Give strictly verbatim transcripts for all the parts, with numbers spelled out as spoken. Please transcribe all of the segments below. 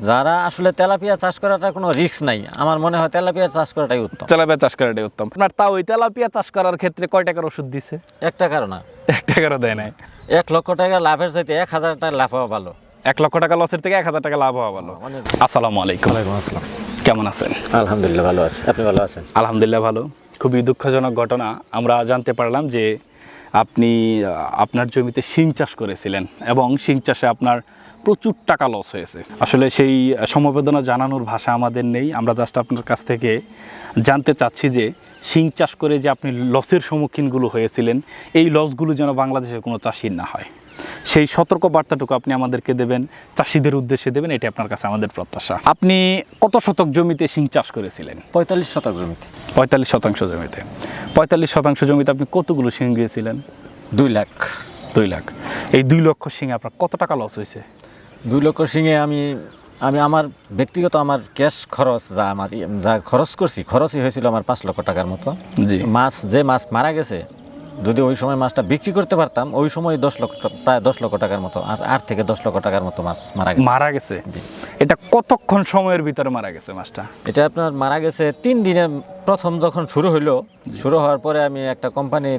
যারা আসলে তেলাপিয়া চাষ করাটা কোনো রিস্ক নাই, আমার মনে হয় তেলাপিয়া চাষ করাটাই উত্তম। তেলাপিয়া চাষ করাটাই উত্তম। আপনার তাও ওই তেলাপিয়া চাষ করার ক্ষেত্রে কয় টাকার ওষুধ দিছে? এক টাকারও না, এক টাকারও দেয় নাই। এক লক্ষ টাকা লাভের চাইতে এক হাজার টাকা লাভ হওয়া ভালো। এক লক্ষ টাকা লসের থেকে এক হাজার টাকা লাভ হওয়া ভালো। আসসালামু আলাইকুম। ওয়ালাইকুম আসসালাম। কেমন আছেন? আলহামদুলিল্লাহ ভালো আছি, আপনি ভালো আছেন? আলহামদুলিল্লাহ ভালো। খুবই দুঃখজনক ঘটনা, আমরা জানতে পারলাম যে আপনি আপনার জমিতে শিং চাষ করেছিলেন এবং শিং চাষে আপনার প্রচুর টাকা লস হয়েছে। আসলে সেই সমবেদনা জানানোর ভাষা আমাদের নেই। আমরা জাস্ট আপনার কাছ থেকে জানতে চাচ্ছি যে শিং চাষ করে যে আপনি লসের সম্মুখীনগুলো হয়েছিলেন, এই লসগুলো যেন বাংলাদেশের কোনো চাষির না হয়, সেই সতর্ক বার্তাটুকু আপনি আমাদেরকে দেবেন, চাষিদের উদ্দেশ্যে দেবেন, এটি আপনার কাছে আমাদের প্রত্যাশা। আপনি কত শতক জমিতে শিং চাষ করেছিলেন? পঁয়তাল্লিশ শতক জমিতে। পঁয়তাল্লিশ শতাংশ জমিতে। পঁয়তাল্লিশ শতাংশ জমিতে আপনি কতগুলো শিং দিয়েছিলেন? দুই লাখ। দুই লাখ। এই দুই লক্ষ শিঙে আপনার কত টাকা লস হয়েছে? দুই লক্ষ শিঙে আমি আমি আমার ব্যক্তিগত আমার ক্যাশ খরচ যা আমার যা খরচ করছি, খরচই হয়েছিল আমার পাঁচ লক্ষ টাকার মতো। জি। মাছ যে মাছ মারা গেছে, যদি ওই সময় মাছটা বিক্রি করতে পারতাম, ওই সময় দশ লক্ষ প্রায় দশ লক্ষ টাকার মতো, আর আট থেকে দশ লক্ষ টাকার মতো মাছ মারা গেছে। মারা গেছে? এটা কতক্ষণ সময়ের ভিতরে মারা গেছে মাছটা? এটা আপনার মারা গেছে তিন দিনে। প্রথম যখন শুরু হইলো, শুরু হওয়ার পরে আমি একটা কোম্পানির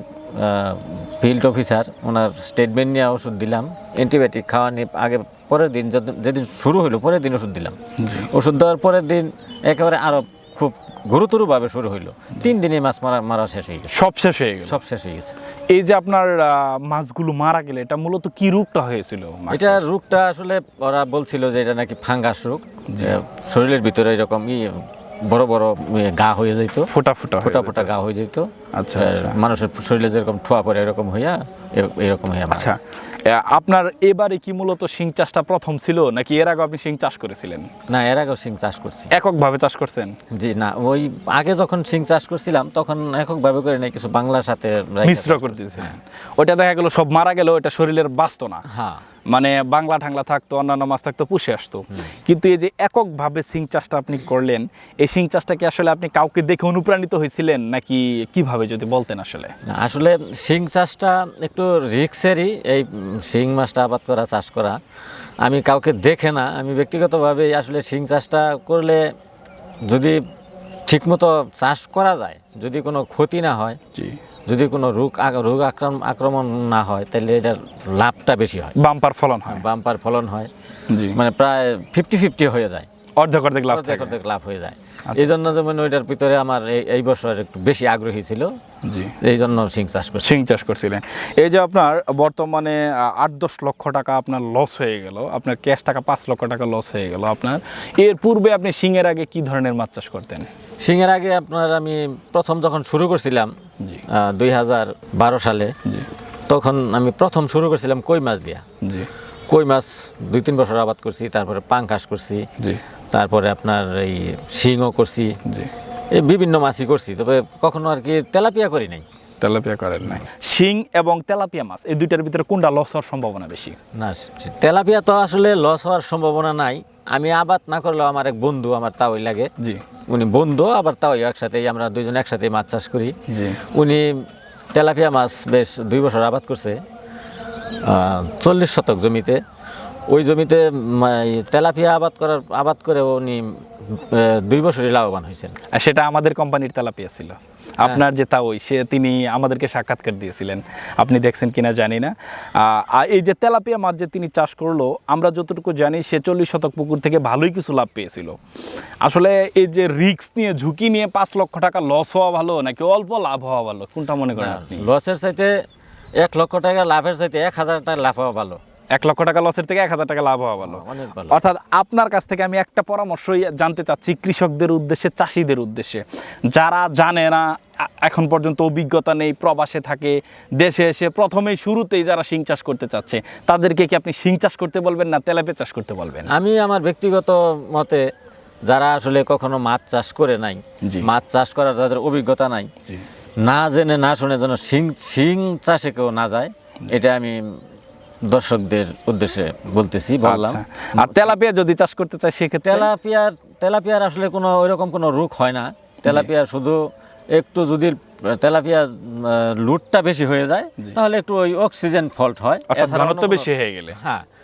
ফিল্ড অফিসার, ওনার স্টেটমেন্ট নিয়ে ওষুধ দিলাম, অ্যান্টিবায়োটিক খাওয়া নিয়ে আগে পরের দিন যেদিন শুরু হইলো পরের দিন ওষুধ দিলাম। ওষুধ দেওয়ার পরের দিন একেবারে আরও খুব গুরুতরভাবে শুরু হইলো। তিন দিনে মাছ মারা মারা শেষ হয়ে গেছে। সব শেষ হয়ে গেল? সব শেষ হয়ে গেছে। এই যে আপনার মাছগুলো মারা গেলে এটা মূলত কি রোগটা হয়েছিল? এটা রোগটা আসলে ওরা বলছিল যে এটা নাকি ফাঙ্গাস রোগ, শরীরের ভিতরে এরকম ই বড় বড় গা হয়ে যেত, ফোটা ফোটা ফোটা ফোটা গা হয়ে যেত। আচ্ছা, মানুষের শরীরে যেরকম ঠোয়া পরে এরকম হইয়া এরকম হইয়া। আচ্ছা, আপনার এবারে কি মূলত শিং চাষটা প্রথম ছিল নাকি এর আগে আপনি শিং চাষ করেছিলেন? না, এর আগেও শিং চাষ করছি। এককভাবে চাষ করছেন? জি না, ওই আগে যখন শিং চাষ করছিলাম তখন এককভাবে করে নাই, কিছু বাংলার সাথে মিশ্র করতেছিলেন। ওইটা দেখা গেল সব মারা গেল, ওইটা শরীরের বাঁচতো না। হ্যাঁ, মানে বাংলা ঠাংলা থাকতো, অন্যান্য মাছ থাকতো, পুষে আসতো। কিন্তু এই যে এককভাবে শিং চাষটা আপনি করলেন, এই শিং চাষটা কি আসলে আপনি কাউকে দেখে অনুপ্রাণিত হয়েছিলেন নাকি কিভাবে যদি বলতেন? আসলে না, আসলে শিং চাষটা একটু রিস্কেরই, এই শিং মাছটা আবাদ করা, চাষ করা। আমি কাউকে দেখে না, আমি ব্যক্তিগতভাবে আসলে শিং চাষটা করলে যদি ঠিকমতো চাষ করা যায়, যদি কোনো ক্ষতি না হয়, জি, যদি কোনো রোগ রোগ আক্রমণ আক্রমণ না হয়, তাহলে এটার লাভটা বেশি হয়, বাম্পার ফলন হয়। বাম্পার ফলন হয়, জি, মানে প্রায় ফিফটি ফিফটি হয়ে যায়, অর্ধেক অর্ধেক লাভ, অর্ধেক অর্ধেক লাভ হয়ে যায়। এই জন্য যেমন ওইটার ভিতরে আমার এই বছর একটু বেশি আগ্রহী ছিল, জি, এই জন্য শিং চাষ করছি। শিং চাষ করছিলেন। এই যে আপনার বর্তমানে আট দশ লক্ষ টাকা আপনার লস হয়ে গেল, আপনার ক্যাশ টাকা পাঁচ লক্ষ টাকা লস হয়ে গেল আপনার, এর পূর্বে আপনি শিংয়ের আগে কি ধরনের মাছ চাষ করতেন? শিংয়ের আগে আপনার আমি প্রথম যখন শুরু করছিলাম দুই হাজার বারো সালে, তখন আমি প্রথম শুরু করছিলাম কই মাছ দিয়া। জি, কই মাছ দুই তিন বছর আবাদ করছি, তারপরে পাঙ্কাশ করছি, জি, তারপরে আপনার এই শিংও করছি, জি, এই বিভিন্ন মাছই করছি, তবে কখনো আর কি তেলাপিয়া করি নাই। তেলাপিয়া করেন নাই। শিং এবং তেলাপিয়া মাছ এই দুইটার ভিতরে কোনটা লস হওয়ার সম্ভাবনা বেশি? না, তেলাপিয়া তো আসলে লস হওয়ার সম্ভাবনা নাই। আমি আবাদ না করলেও আমার এক বন্ধু, আমার তাওই লাগে, জি, উনি বন্ধু আবার তাওই, একসাথেই আমরা দুইজন একসাথে মাছ চাষ করি। জি, উনি তেলাপিয়া মাছ বেশ দুই বছর আবাদ করছে চল্লিশ শতক জমিতে। ওই জমিতে তেলাপিয়া আবাদ করার আবাদ করে উনি দুই বছরই লাভবান হয়েছেন। আর সেটা আমাদের কোম্পানির তেলাপিয়া ছিল। আপনার যে তাওই, সে তিনি আমাদেরকে সাক্ষাৎকার দিয়েছিলেন, আপনি দেখছেন কিনা জানি না। আর এই যে তেলাপিয়া মাছ যে তিনি চাষ করলো, আমরা যতটুকু জানি সে চল্লিশ শতক পুকুর থেকে ভালোই কিছু লাভ পেয়েছিল। আসলে এই যে রিস্ক নিয়ে, ঝুঁকি নিয়ে পাঁচ লক্ষ টাকা লস হওয়া ভালো নাকি অল্প লাভ হওয়া ভালো, কোনটা মনে করেন আপনি? লসের চাইতে এক লক্ষ টাকা লাভের চাইতে এক হাজার টাকা লাভ হওয়া ভালো। এক লক্ষ টাকা লসের থেকে এক হাজার টাকা লাভ হওয়া ভালো, অনেক ভালো। অর্থাৎ আপনার কাছ থেকে আমি একটা পরামর্শই জানতে চাচ্ছি কৃষকদের উদ্দেশ্যে, চাষিদের উদ্দেশ্যে, যারা জানে না, এখন পর্যন্ত অভিজ্ঞতা নেই, প্রবাসে থাকে, দেশে এসে প্রথমেই শুরুতেই যারা শিং চাষ করতে চাচ্ছে, তাদেরকে কি আপনি শিং চাষ করতে বলবেন না তেলাপিয়া চাষ করতে বলবেন? আমি আমার ব্যক্তিগত মতে, যারা আসলে কখনো মাছ চাষ করে নাই, মাছ চাষ করার যাদের অভিজ্ঞতা নাই, না জেনে না শুনে যেন শিং শিং চাষে কেউ না যায়, এটা আমি দর্শকদের উদ্দেশ্যে বলতেছি, বললাম। আর তেলাপিয়া যদি চাষ করতে চায় সেক্ষেত্রে? তেলাপিয়ার তেলাপিয়ার আসলে কোনো ওইরকম কোনো রোগ হয় না। তেলাপিয়ার শুধু একটু যদি তেলাপিয়া লুটটা বেশি হয়ে যায়, তাহলে একটু ওই অক্সিজেন ফল্ট হয়, ঘনত্ব বেশি হয়ে গেলে। হ্যাঁ,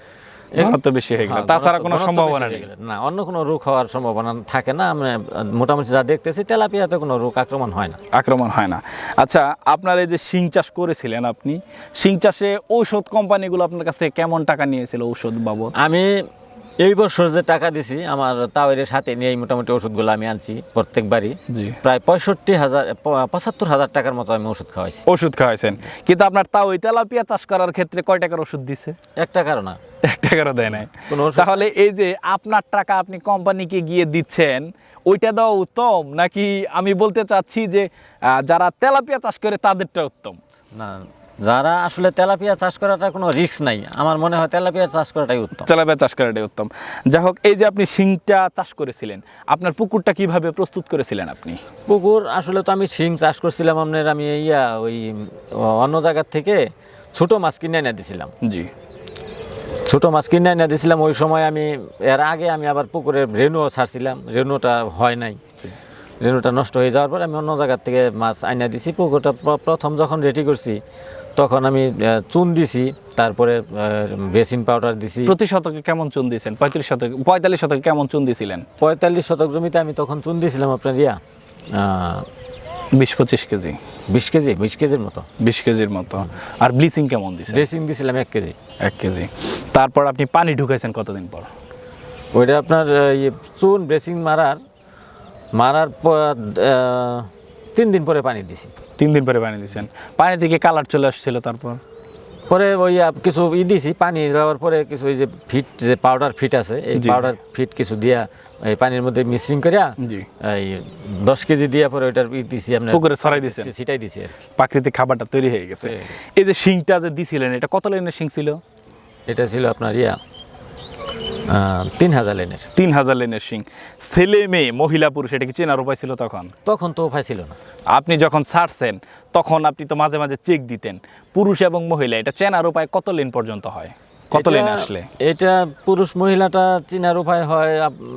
ঘনত্ব বেশি হয়ে গেল, হ্যাঁ, তাছাড়া ঘনত্ব- কোনো ঘনত্ব সম্ভাবনা বেশি নেই। হয়ে গেলে। না, অন্য কোনো রোগ হওয়ার সম্ভাবনা থাকে না। আমরা মোটামুটি যা দেখতেছি তেলাপিয়াতে কোনো রোগ আক্রমণ হয় না। আক্রমণ হয় না। আচ্ছা, আপনার এই যে শিং চাষ করেছিলেন, আপনি শিং চাষে ঔষধ কোম্পানিগুলো আপনার কাছ থেকে কেমন টাকা নিয়েছিল ঔষধ বাবদ? আমি এই বছর যে টাকা দিছি আমার তাওয়ের সাথে নিয়ে মোটামুটি ওষুধগুলো আমি আনছি প্রত্যেকবারই জি। প্রায় পঁয়ষট্টি হাজার প- পঁচাত্তর হাজার টাকার মতো আমি ওষুধ খাওয়াইছি। ওষুধ খাওয়াইছেন, কিন্তু আপনার তাও ওই তেলাপিয়া চাষ করার ক্ষেত্রে কয় টাকার ওষুধ দিছে? এক টাকারও না। এক টাকারও দেয় নাই। কোনো ওষুধ- তাহলে এই যে আপনার টাকা আপনি কোম্পানিকে গিয়ে দিচ্ছেন, ওইটা দেওয়া উত্তম, নাকি আমি বলতে চাচ্ছি যে আহ, যারা তেলাপিয়া চাষ করে তাদেরটা উত্তম? না, যারা আসলে তেলাপিয়া চাষ করাটা কোনো রিস্ক নাই, আমার মনে হয় তেলাপিয়া চাষ করাটাই উত্তম। তেলাপিয়া চাষ করাটাই উত্তম। যাই হোক, এই যে আপনি শিংটা চাষ করেছিলেন, আপনার পুকুরটা কিভাবে প্রস্তুত করেছিলেন আপনি? পুকুর আসলে তো আমি শিং চাষ করছিলাম আপনার, আমি ইয়া ওই অন্য জায়গার থেকে ছোট মাছ কিনে এনে দিছিলাম। জি। ছোট মাছ কিনে এনে দিছিলাম ওই সময়। আমি এর আগে আমি আবার পুকুরে রেনুও ছাড়ছিলাম, রেনুটা হয় নাই, রেনুটা নষ্ট হয়ে যাওয়ার পর আমি অন্য জায়গার থেকে মাছ আইনা দিছি। পুকুরটা প্র- প্রথম যখন রেডি করছি তখন আমি আহ, চুন দিছি, তারপরে বেসিন পাউডার দিছি। প্রতি শতকে কেমন চুন দিয়েছেন? পঁয়ত্রিশ শতকে পঁয়তাল্লিশ শতকে কেমন চুন দিয়েছিলেন? পঁয়তাল্লিশ শতক জমিতে আমি তখন চুন দিয়েছিলাম আপনার ইয়া আহ, বিশ পঁচিশ কেজি, বিশ কেজি বিশ কেজির মতো। বিশ কেজির মতো। আর ব্লিচিং কেমন দিয়েছেন? বেসিন দিয়েছিলাম এক কেজি। এক কেজি। তারপর আপনি পানি ঢুকাইছেন কতদিন পর? ওইটা আপনার আহ, ইয়ে চুন বেসিন মারার মারার পর আহ, তিন দিন পরে পানি দিছি। তিন দিন পরে পানি দিয়েছেন, পানি থেকে কালার চলে আসছিল। তারপর পরে ওই আহ, কিছু ই দিছি, পানি দেওয়ার পরে কিছু ওই যে ফিট, যে পাউডার ফিট আছে, এই জি। পাউডার ফিট কিছু দিয়া এই পানির মধ্যে মিক্সিং করিয়া জি। এই দশ কেজি দিয়া পরে ওইটার ই দিছি আপনার পুকুরে ছড়াই দিছেন। ছিটাই দিছি আর কি। প্রাকৃতিক খাবারটা তৈরি হয়ে গেছে। হয়ে এই যে শিংটা যে দিছিলেন, এটা কত লাইনের শিং ছিল? এটা ছিল আপনার ইয়া আহ, তিন হাজার লেনের। তিন হাজার লাইনের শিং। ছেলে মেয়ে মহিলা পুরুষ এটা কি চেনার উপায় ছিল তখন? তখন তো উপায় ছিল না। আপনি যখন ছাড়ছেন তখন আপনি তো মাঝে মাঝে চেক দিতেন, পুরুষ এবং মহিলা এটা চেনার উপায় কত লেন পর্যন্ত হয়? কত এটা- লেনে আসলে? এটা পুরুষ মহিলাটা চিনার উপায় হয়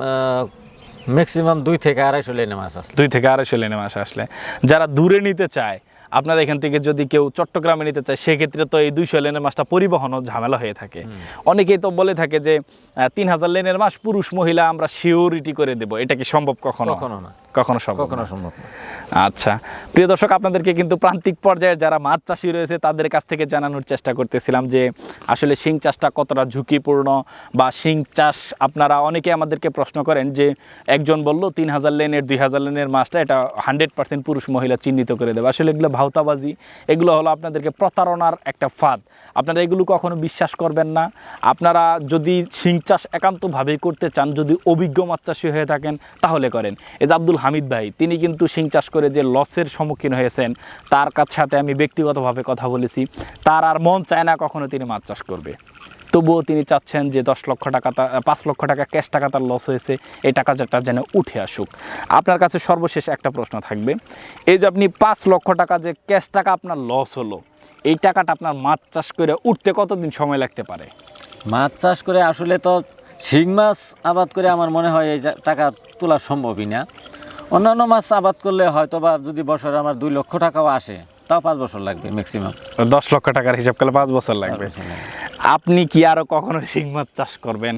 ম্যাক্সিমাম দুই থেকে আড়াইশো লেনে মাছ আসলে। দুই থেকে আড়াইশো লেনে মাছ আসলে। যারা দূরে নিতে চায়, আপনার এখান থেকে যদি কেউ চট্টগ্রামে নিতে চায়, সেক্ষেত্রে তো এই দুইশো লেনের মাছটা পরিবহনও ঝামেলা হয়ে থাকে। অনেকেই তো বলে থাকে যে আহ, তিন হাজার লেনের মাছ পুরুষ মহিলা আমরা সিওরিটি করে দেব, এটা কি সম্ভব কখনো? কখনো না, কখনো সম্ভব কখনো না। সম্ভব না। আচ্ছা, প্রিয় দর্শক, আপনাদেরকে কিন্তু প্রান্তিক পর্যায়ে যারা মাছ চাষি রয়েছে তাদের কাছ থেকে জানানোর চেষ্টা করতেছিলাম যে আসলে শিং চাষটা কতটা ঝুঁকিপূর্ণ, বা শিং চাষ আপনারা অনেকে আমাদেরকে প্রশ্ন করেন যে একজন বললো তিন হাজার লেনের দুই হাজার লেনের মাছটা এটা হান্ড্রেড পার্সেন্ট পুরুষ মহিলা চিহ্নিত করে দেবে। আসলে এগুলো ভাওতাবাজি, এগুলো হলো আপনাদেরকে প্রতারণার একটা ফাঁদ। আপনারা এগুলো কখনো বিশ্বাস করবেন না। আপনারা যদি শিং চাষ একান্তভাবেই করতে চান, যদি অভিজ্ঞ মাছ চাষি হয়ে থাকেন তাহলে করেন। এই যে আব্দুল হামিদ ভাই, তিনি কিন্তু শিং চাষ করে যে লসের সম্মুখীন হয়েছেন, তার কাছ সাথে আমি ব্যক্তিগতভাবে কথা বলেছি, তার আর মন চায় না কখনো তিনি মাছ চাষ করবে। তবুও তিনি চাচ্ছেন যে দশ লক্ষ টাকা তা পাঁচ লক্ষ টাকা ক্যাশ টাকা তার লস হয়েছে, এই টাকাটা যেন উঠে আসুক। আপনার কাছে সর্বশেষ একটা প্রশ্ন থাকবে, এই যে আপনি পাঁচ লক্ষ টাকা যে ক্যাশ টাকা আপনার লস হলো, এই টাকাটা আপনার মাছ চাষ করে উঠতে কতদিন সময় লাগতে পারে? মাছ চাষ করে আসলে তো শিং মাছ আবাদ করে আমার মনে হয় এই যা- টাকা তোলা সম্ভবই না। অন্যান্য মাছ আবাদ করলে হয়তো বা যদি বছরে আমার দুই লক্ষ টাকাও আসে, তাও পাঁচ বছর লাগবে ম্যাক্সিমাম। দশ লক্ষ টাকার হিসাব করলে পাঁচ বছর লাগবে। আপনি কি আরো কখনো শিং মাছ চাষ করবেন?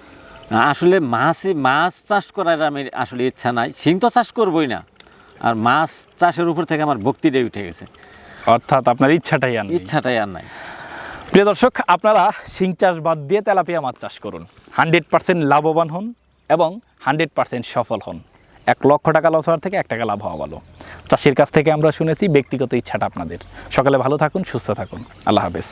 আসলে মাছই মাছ চাষ করার আমি আসলে ইচ্ছা নাই, শিং তো চাষ করবই না। আর মাছ চাষের উপর থেকে আমার ভক্তিটাই উঠে গেছে, অর্থাৎ আপনার ইচ্ছাটাই আর নেই। ইচ্ছাটাই আর নাই। প্রিয় দর্শক, আপনারা শিং চাষ বাদ দিয়ে তেলাপিয়া মাছ চাষ করুন, হান্ড্রেড পার্সেন্ট লাভবান হন এবং হান্ড্রেড পার্সেন্ট সফল হন। এক লক্ষ টাকা লস হওয়ার থেকে এক টাকা লাভ হওয়া ভালো। চাষির কাছ থেকে আমরা শুনেছি, ব্যক্তিগত ইচ্ছাটা আপনাদের। সকালে ভালো থাকুন, সুস্থ থাকুন, আল্লাহ হাফেজ।